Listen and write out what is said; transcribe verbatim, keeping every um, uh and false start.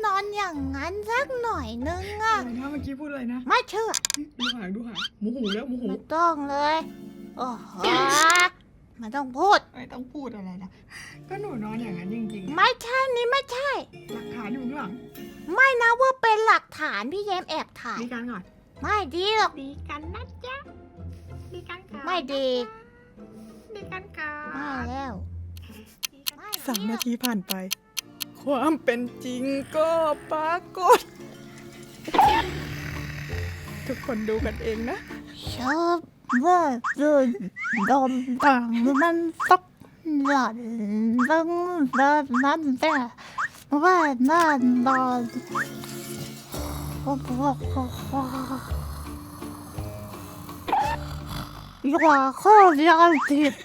นอนอย่างนั้นสักหน่อยนึงอะอะไรนะเมื่อกี้พูดอะไรนะไม่เชื่อดูหางดูหางหมูหูแล้วหมูหูไม่ต้องเลยโอ้โหไม่ต้องพูดไม่ต้องพูดอะไรนะก็หนูนอนอย่างนั้นจริงๆอะไม่ใช่นี่ไม่ใช่หลักฐานอยู่ข้างหลังไม่นะว่าเป็นหลักฐานพี่แยมแอบถ่ายดีกันก่อนไม่ดีหรอกดีกันนะจ๊ะดีกันก่อนไม่ดีดีกันก่อไม่นแล้วไม่สามดีหรนาอกทีผ่านไป ความเป็นจริงก็ปรากฏ ทุกคนดูกันเองนะชอบว่าจะดมดังมันสักหน่อยดังแบบนั้นแต่ว่านั่นนอนโอ้โหอย่าเข้ายาติด